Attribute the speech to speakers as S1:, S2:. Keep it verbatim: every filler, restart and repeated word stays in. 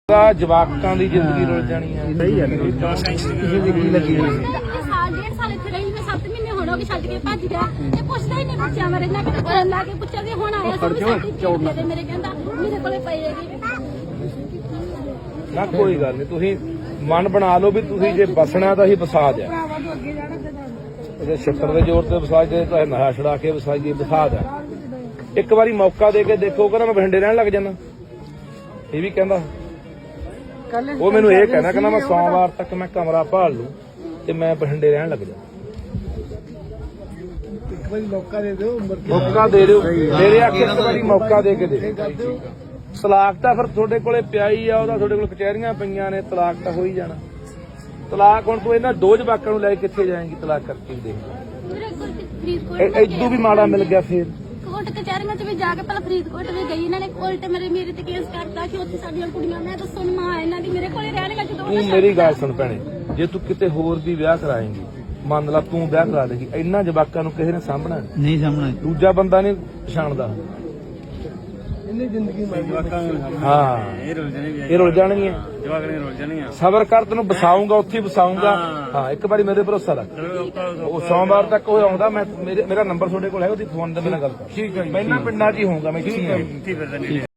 S1: ਜਵਾਕਾਂ ਦੀ ਜ਼ਿੰਦਗੀ ਰੁਲ ਜਾਣੀ ਹੈ। ਸਹੀ ਹੈ ਕਿਸੇ ਦੀ ਕੀ ਲੱਗੀ ਹੋਈ
S2: ਸਾਲ ਡੇਢ ਸਾਲ ਇੱਥੇ ਰਹੀ ਮੈਂ ਸੱਤ ਮਹੀਨੇ ਹੋਣ ਹੋ ਗਏ ਛੱਡ ਕੇ ਭੱਜ ਗਿਆ ਤੇ ਪੁੱਛਦਾ ਹੀ ਨਹੀਂ ਬੱਚਿਆਂ ਬਾਰੇ ਨਾ ਕਿਤੇ ਕਰਨ ਲਾ ਕੇ ਪੁੱਛਿਆ ਵੀ ਹੁਣ ਆਇਆ ਸੀ ਮੇਰੇ ਕਹਿੰਦਾ ਮੇਰੇ ਕੋਲੇ ਪਈ ਹੈਗੀ
S1: ਨਾ ਕੋਈ ਗੱਲ ਨਹੀਂ। ਤੁਸੀਂ ਮਨ ਬਣਾ ਲਓ ਵੀ ਤੁਸੀਂ ਜੇ ਬਸਣਾ ਤਾਂ ਹੀ ਵਸਾ ਦਿਆ ਜੇ ਛੱਤਰ ਦੇ ਜ਼ੋਰ ਤੇ ਵਸਾ ਜੇ ਤਾਂ ਨਸ਼ਾ ਛੁਡਾ ਕੇ ਵਸਾਈਏ ਵਸਾ ਦਿਆ। ਇੱਕ ਵਾਰੀ ਮੌਕਾ ਦੇ ਕੇ ਦੇਖੋ ਕਹਿੰਦਾ ਮੈਂ ਬਠਿੰਡੇ ਰਹਿਣ ਲੱਗ ਜਾਣਾ। ਇਹ ਵੀ ਕਹਿੰਦਾ ਉਹ ਮੈਨੂੰ ਇਹ ਕਹਿਣਾ ਕਹਿੰਦਾ ਮੈਂ ਸੋਮਵਾਰ ਤੱਕ ਮੈਂ ਕਮਰਾ ਭਾਲ ਲੂ ਤੇ ਮੈਂ ਬਠਿੰਡੇ ਰਹਿਣ ਲੱਗ ਜਾ।
S3: ਇੱਕ ਵਾਰੀ ਮੌਕਾ ਦੇ ਦਿਓ
S1: ਮੌਕਾ ਦੇ ਦਿਓ ਮੇਰੇ ਆਖੇ ਇੱਕ ਵਾਰੀ ਮੌਕਾ ਦੇ ਕੇ ਦੇ ਤਲਾਕ ਤਾਂ ਫਿਰ ਤੁਹਾਡੇ ਕੋਲੇ ਪਿਆ ਹੀ ਆ। ਉਹਦਾ ਤੁਹਾਡੇ ਕੋਲ ਕਚਹਿਰੀਆਂ ਪਈਆਂ ਨੇ। ਤਲਾਕ ਤਾਂ ਹੋ ਹੀ ਜਾਣਾ। ਤਲਾਕ ਹੁਣ ਤੂੰ ਇਹਨਾਂ ਦੋ ਜਵਾਕਾਂ ਨੂੰ ਲੈ ਕੇ ਕਿੱਥੇ ਜਾਏਂਗੀ ਤਲਾਕ ਕਰਕੇ ਵੀ ਦੇਖ ਇਦੋਂ ਵੀ ਮਾੜਾ ਮਿਲ ਗਿਆ ਫੇਰ
S2: ਕੋਰਟ ਕਚਹਿਰੀਆਂ ਚ ਵੀ ਜਾ ਕੇ ਪਹਿਲਾਂ ਫਰੀਦਕੋਟ ਵੀ ਗਈ ਇਹਨਾਂ ਨੇ ਉਲਟ ਮੇਰੇ ਮੇਰੇ ਤੇ ਕੇਸ ਕਰਤਾ ਕਿ ਉੱਥੇ ਸਾਡੀਆਂ ਕੁੜੀਆਂ ਮੈਂ ਦੱਸੋ ਮਾਂ ਇਹਨਾਂ ਦੀ ਮੇਰੇ ਕੋਲੇ ਰਹਿਣ ਲੱਗ
S1: ਤੂੰ ਮੇਰੀ ਗੱਲ ਸੁਣ ਭੈਣੇ ਜੇ ਤੂੰ ਕਿਤੇ ਹੋਰ ਵੀ ਵਿਆਹ ਕਰਾਏਂਗੀ ਮੰਨ ਲਾ ਤੂੰ ਵਿਆਹ ਕਰਾ ਦੇਗੀ ਇਹਨਾਂ ਜਵਾਕਾਂ ਨੂੰ ਕਿਸੇ ਨੇ ਸਾਂਭਣਾ
S3: ਨਹੀਂ ਸਾਹਮਣਾ
S1: ਦੂਜਾ ਬੰਦਾ ਨਹੀਂ ਪਛਾਣਦਾ।
S3: ਇਹਨੇ ਜ਼ਿੰਦਗੀ
S1: ਹਾਂ
S3: ਇਹ ਰੁਲ ਜਾਣੇ ਵੀ
S1: ਇਹ ਰੁਲ ਜਾਣਗੀਆਂ
S3: ਜਵਾਕ ਨੇ ਰੁਲ ਜਾਣੀਆਂ।
S1: ਸਬਰ ਕਰ ਤੈਨੂੰ ਬਸਾਉਂਗਾ ਉੱਥੇ ਬਸਾਉਂਗਾ। ਹਾਂ ਇੱਕ ਵਾਰੀ ਮੇਰੇ ਭਰੋਸਾ ਰੱਖ। ਉਹ ਸੋਮਵਾਰ ਤੱਕ ਉਹ ਆਉਂਦਾ ਮੈਂ ਮੇਰਾ ਨੰਬਰ ਤੁਹਾਡੇ ਕੋਲ ਹੈ ਉਹਦੀ ਫੋਨ ਤੇ ਮੇਰੇ ਨਾਲ ਗੱਲ ਕਰ। ਠੀਕ ਹੈ ਪਹਿਲਾਂ ਪਿੰਡਾਂ 'ਚ ਹੀ ਹੋਊਗਾ ਮੈਂ ਇੱਥੇ ਹੀ ਹਾਂ।